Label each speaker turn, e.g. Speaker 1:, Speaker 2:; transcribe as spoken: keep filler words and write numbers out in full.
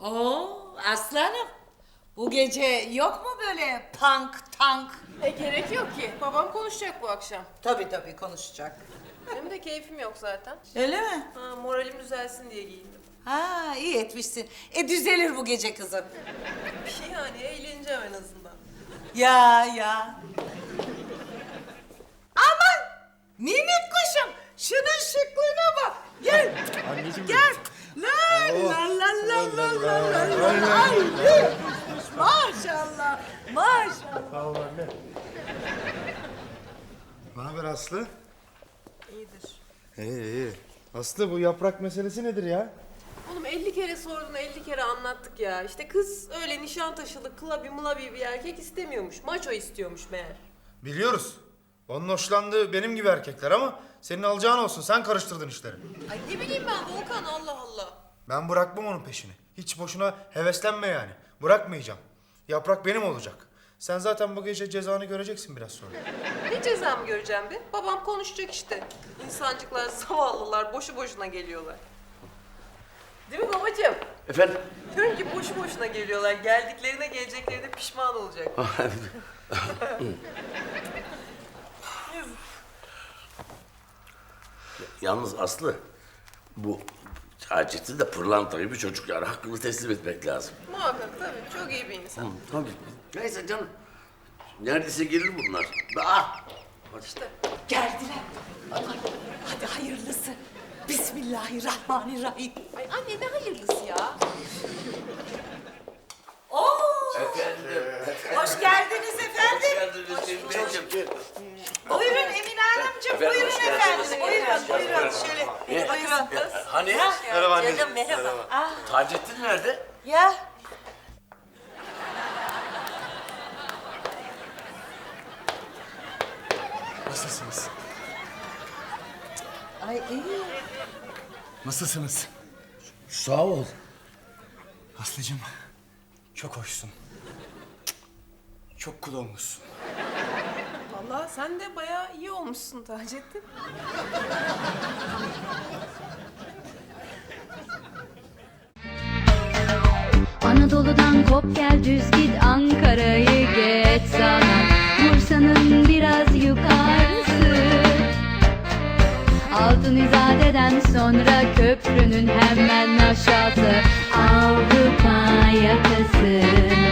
Speaker 1: Oo aslanım. Bu gece yok mu böyle punk tank?
Speaker 2: E gerek yok ki. Babam konuşacak bu akşam.
Speaker 1: Tabii tabii konuşacak.
Speaker 2: Benim de keyfim yok zaten.
Speaker 1: Öyle mi?
Speaker 2: Ha, moralim düzelsin diye giyindim.
Speaker 1: Ha iyi etmişsin. E düzelir bu gece kızım.
Speaker 2: Bir şey yani eğleneceğim en azından.
Speaker 1: Ya ya. Aman! Minik kuşum. Şunun şıklığına bak. Gel.
Speaker 3: Anneciğim
Speaker 1: Gel. La la la la la la la la. Ay, ne kuşmuş. Maşallah. Maşallah.
Speaker 3: Sağ ol anne. Ne haber Aslı?
Speaker 2: İyidir.
Speaker 3: İyi iyi. Aslı bu yaprak meselesi nedir ya?
Speaker 2: Oğlum elli kere sordun, elli kere anlattık ya. İşte kız öyle Nişantaşılı, klabi mulabi bir erkek istemiyormuş. Maço istiyormuş meğer.
Speaker 3: Biliyoruz. Onun hoşlandığı benim gibi erkekler ama senin alacağın olsun. Sen karıştırdın işleri.
Speaker 2: Ay ne bileyim ben Volkan, Allah Allah.
Speaker 3: Ben bırakmam onun peşini. Hiç boşuna heveslenme yani. Bırakmayacağım. Yaprak benim olacak. Sen zaten bu gece cezanı göreceksin biraz sonra.
Speaker 2: Ne cezamı göreceğim be? Babam konuşacak işte. İnsancıklar, zavallılar boşu boşuna geliyorlar. Değil mi babacığım?
Speaker 4: Efendim?
Speaker 2: Diyorum ki boşu boşuna geliyorlar. Geldiklerine geleceklerine pişman olacak.
Speaker 4: Yalnız Aslı, bu Taceddin de pırlanta gibi çocuk yani. Hakkını teslim etmek lazım.
Speaker 2: Muhakkak tabii. Çok iyi bir insan.
Speaker 4: Hı, tabii. Neyse canım. Neredeyse gelir bunlar. Ah!
Speaker 2: İşte.
Speaker 1: Geldiler. Hadi, hadi hayırlısı. Bismillahirrahmanirrahim.
Speaker 2: Ay anne ne hayırlısı ya?
Speaker 1: Oo!
Speaker 4: Efendim.
Speaker 1: Hoş geldiniz efendim.
Speaker 4: Geldiniz Emineciğim.
Speaker 1: Buyurun Emine Hanımcığım.
Speaker 4: Efendim,
Speaker 1: Buyurun
Speaker 4: hoş geldiniz.
Speaker 1: efendim. Buyurun, buyurun. Şöyle, buyurun.
Speaker 4: Hani?
Speaker 3: Merhaba anne.
Speaker 1: Canım merhaba. Ah,
Speaker 4: Taceddin nerede?
Speaker 1: ya.
Speaker 5: Nasılsınız?
Speaker 1: Ay iyi.
Speaker 5: Nasılsınız?
Speaker 4: Sağ ol.
Speaker 5: Aslıcığım, çok hoşsun. Çok kul olmuşsun.
Speaker 2: Vallahi sen de bayağı iyi olmuşsun Taceddin.
Speaker 6: Anadolu'dan kop gel düz git Ankara'yı geç sana Bursa'nın biraz yukarısı Altın İzade'den sonra köprünün hemen aşağısı Avrupa yakası